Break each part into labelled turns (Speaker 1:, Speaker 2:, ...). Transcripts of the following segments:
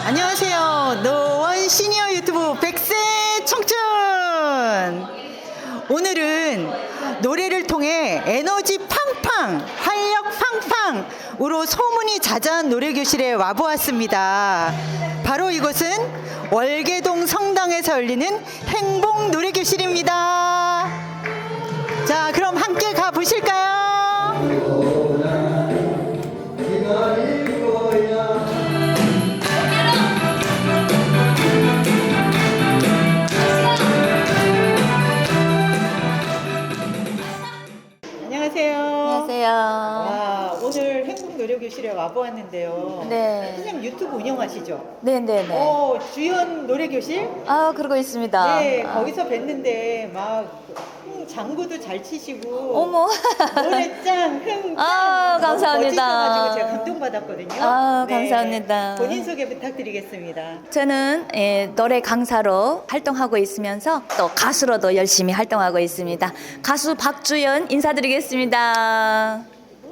Speaker 1: 안녕하세요. 노원 시니어 유튜브 100세 청춘. 오늘은 노래를 통해 에너지 팡팡, 활력 팡팡으로 소문이 자자한 노래교실에 와보았습니다. 바로 이곳은 월계동 성당에서 열리는 행복 노래교실입니다. 자, 그럼 함께 가보실까요?
Speaker 2: 안녕하세요.
Speaker 1: 와, 오늘 행복 노래교실에 와보았는데요.
Speaker 2: 네.
Speaker 1: 선생님 유튜브 운영하시죠?
Speaker 2: 네네네.
Speaker 1: 주연 노래교실?
Speaker 2: 그러고 있습니다.
Speaker 1: 네, 거기서 뵀는데 막 장구도 잘 치시고
Speaker 2: 어머.
Speaker 1: 노래 짱, 흥 짱.
Speaker 2: 감사합니다.
Speaker 1: 멋지셔가지고 제가 감동받았거든요.
Speaker 2: 감사합니다.
Speaker 1: 본인 소개 부탁드리겠습니다.
Speaker 2: 저는 노래 강사로 활동하고 있으면서 또 가수로도 열심히 활동하고 있습니다. 가수 박주연 인사드리겠습니다.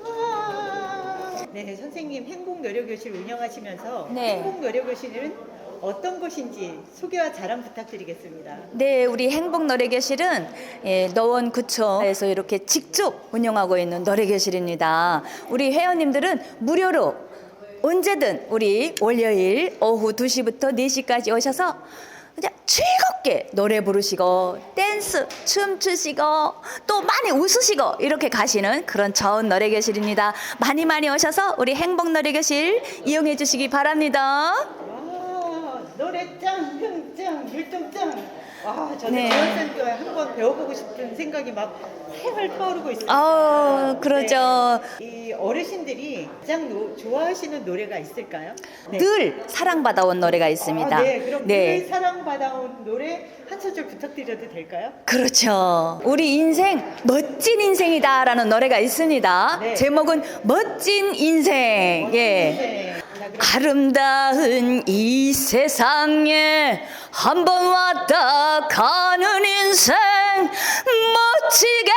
Speaker 1: 네, 선생님 행복 노래교실 운영하시면서
Speaker 2: 네.
Speaker 1: 행복 노래교실은 어떤 곳인지 소개와 자랑 부탁드리겠습니다.
Speaker 2: 네, 우리 행복 노래교실은 노원구청에서 이렇게 직접 운영하고 있는 노래교실입니다. 우리 회원님들은 무료로 언제든 우리 월요일 오후 2시부터 4시까지 오셔서 그냥 즐겁게 노래 부르시고 댄스 춤추시고 또 많이 웃으시고 이렇게 가시는 그런 좋은 노래교실입니다. 많이 많이 오셔서 우리 행복 노래교실 이용해 주시기 바랍니다.
Speaker 1: 노래 짱, 흥 짱, 율동 짱. 저는
Speaker 2: 네.
Speaker 1: 지원센터 한번 배워보고 싶은 생각이 막 활활 떠오르고 있습니다.
Speaker 2: 그러죠.
Speaker 1: 이 어르신들이 가장 좋아하시는 노래가 있을까요? 네.
Speaker 2: 늘 사랑받아온 노래가 있습니다.
Speaker 1: 네, 그럼 늘 사랑받아온 노래 한 소절 부탁드려도 될까요?
Speaker 2: 그렇죠. 우리 인생 멋진 인생이다라는 노래가 있습니다.
Speaker 1: 네.
Speaker 2: 제목은 멋진 인생.
Speaker 1: 네.
Speaker 2: 아름다운 이 세상에 한 번 왔다 가는 인생 멋지게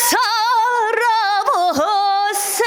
Speaker 2: 살아보세.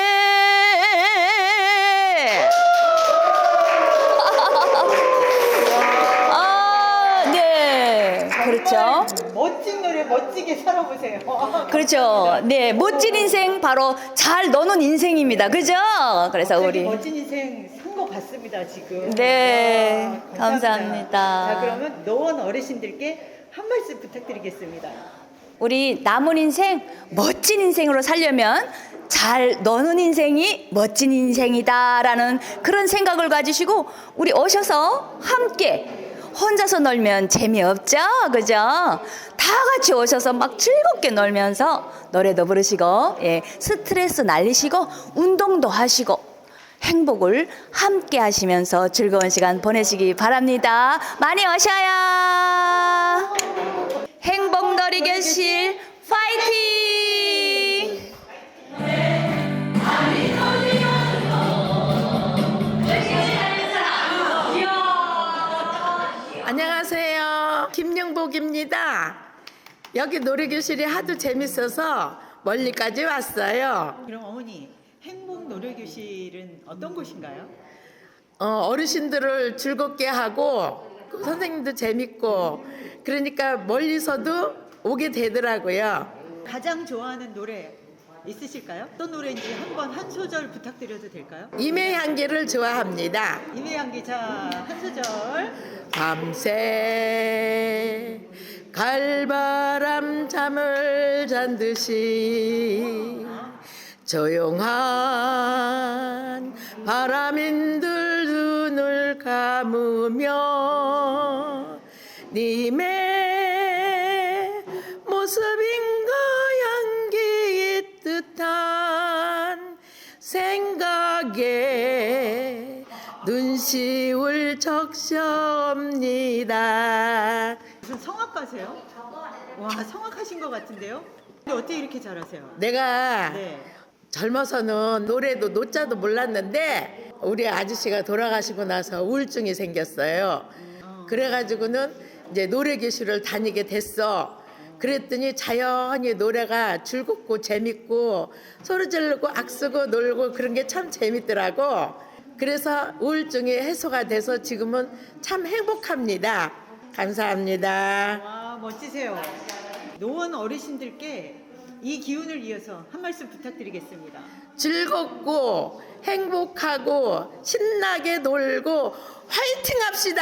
Speaker 2: 네, 그렇죠.
Speaker 1: 멋진 노래 멋지게 살아보세요.
Speaker 2: 그렇죠. 네, 멋진 인생 바로 잘 노는 인생입니다. 그죠? 그래서 우리
Speaker 1: 멋진 인생 산 것 같습니다 지금.
Speaker 2: 네,
Speaker 1: 와,
Speaker 2: 감사합니다.
Speaker 1: 자, 그러면 노원 어르신들께 한 말씀 부탁드리겠습니다.
Speaker 2: 우리 남은 인생 멋진 인생으로 살려면 잘 노는 인생이 멋진 인생이다라는 그런 생각을 가지시고 우리 오셔서 함께 혼자서 놀면 재미없죠? 그죠? 다 같이 오셔서 막 즐겁게 놀면서 노래도 부르시고 스트레스 날리시고 운동도 하시고 행복을 함께 하시면서 즐거운 시간 보내시기 바랍니다. 많이 오셔요. 행복 놀이교실 파이팅!
Speaker 3: 안녕하세요. 김영복입니다. 여기 노래교실이 하도 재밌어서 멀리까지 왔어요.
Speaker 1: 그럼 어머니 행복 노래교실은 어떤 곳인가요?
Speaker 3: 어르신들을 즐겁게 하고 선생님도 재밌고 그러니까 멀리서도 오게 되더라고요.
Speaker 1: 가장 좋아하는 노래 있으실까요? 어떤 노래인지 한번 한 소절 부탁드려도 될까요?
Speaker 3: 임의향기를 좋아합니다.
Speaker 1: 임혜양 자, 한 소절.
Speaker 3: 밤새 갈바람 잠을 잔 듯이 조용한 바람인들 눈을 감으며 님의 모습인가 향기 뜻한 생각에 눈시울 적셔옵니다.
Speaker 1: 무슨 성악가세요? 와, 성악하신 것 같은데요? 근데 어떻게 이렇게 잘하세요?
Speaker 3: 내가
Speaker 1: 네.
Speaker 3: 젊어서는 노래도 노자도 몰랐는데 우리 아저씨가 돌아가시고 나서 우울증이 생겼어요. 그래가지고는 이제 노래 교실을 다니게 됐어. 그랬더니 자연히 노래가 즐겁고 재밌고 소리 지르고 악쓰고 놀고 그런 게 참 재밌더라고. 그래서 우울증이 해소가 돼서 지금은 참 행복합니다. 감사합니다.
Speaker 1: 와, 멋지세요. 노원 어르신들께 이 기운을 이어서 한 말씀 부탁드리겠습니다.
Speaker 3: 즐겁고 행복하고 신나게 놀고 화이팅 합시다.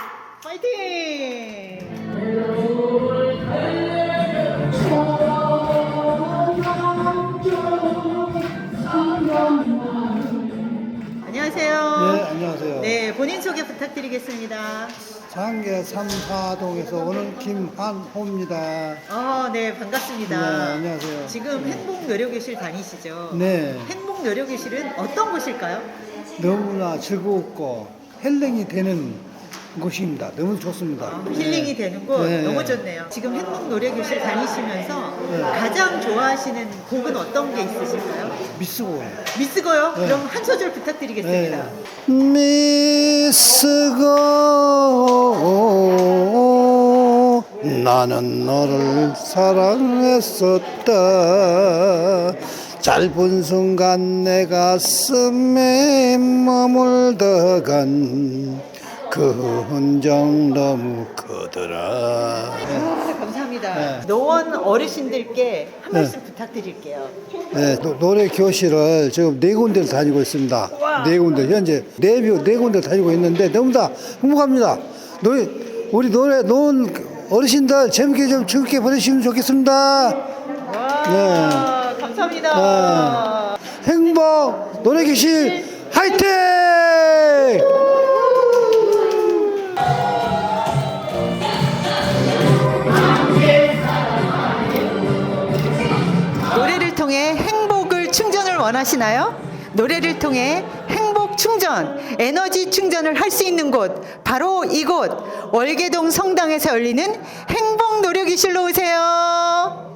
Speaker 1: 파이팅! 안녕하세요.
Speaker 4: 네, 안녕하세요.
Speaker 1: 네, 본인 소개 부탁드리겠습니다.
Speaker 4: 장계 3사동에서 오는 김한호입니다.
Speaker 1: 네, 반갑습니다.
Speaker 4: 네, 안녕하세요.
Speaker 1: 지금 행복노력교실 다니시죠?
Speaker 4: 네,
Speaker 1: 행복노력교실은 어떤 곳일까요?
Speaker 4: 너무나 즐겁고 힐링이 되는 곳입니다. 너무 좋습니다.
Speaker 1: 힐링이 되는 곳
Speaker 4: 네.
Speaker 1: 너무 좋네요. 지금 행복노래교실 다니시면서
Speaker 4: 네.
Speaker 1: 가장 좋아하시는 곡은 어떤 게 있으실까요?
Speaker 4: 미스고.
Speaker 1: 미스고요?
Speaker 4: 네.
Speaker 1: 그럼 한 소절 부탁드리겠습니다.
Speaker 4: 미스고 나는 너를 사랑했었다. 짧은 순간 내 가슴에 머물다간 그 흔적 너무 크더라.
Speaker 1: 감사합니다.
Speaker 4: 네.
Speaker 1: 노원 어르신들께 한 말씀 부탁드릴게요.
Speaker 4: 네, 노래 교실을 지금 4군데를 다니고 있습니다. 4군데 현재 네 군데 다니고 있는데 너무 다 행복합니다. 우리 노래 노원 어르신들 재밌게 좀 즐겁게 보내시면 좋겠습니다.
Speaker 1: 와, 감사합니다.
Speaker 4: 행복 노래 교실 화이팅!
Speaker 1: 노래를 통해 행복을 충전을 원하시나요? 노래를 통해 행복 충전, 에너지 충전을 할 수 있는 곳, 바로 이곳 월계동 성당에서 열리는 행복 노래교실로 오세요.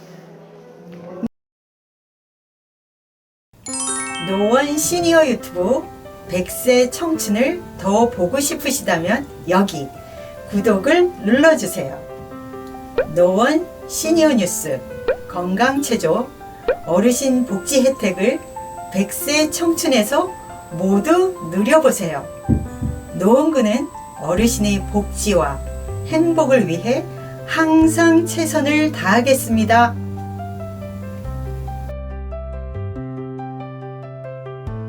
Speaker 1: 노원 시니어 유튜브 100세 청춘을 더 보고 싶으시다면 여기 구독을 눌러주세요. 노원 시니어 뉴스 건강체조 어르신 복지 혜택을 100세 청춘에서 모두 누려보세요. 노원구는 어르신의 복지와 행복을 위해 항상 최선을 다하겠습니다.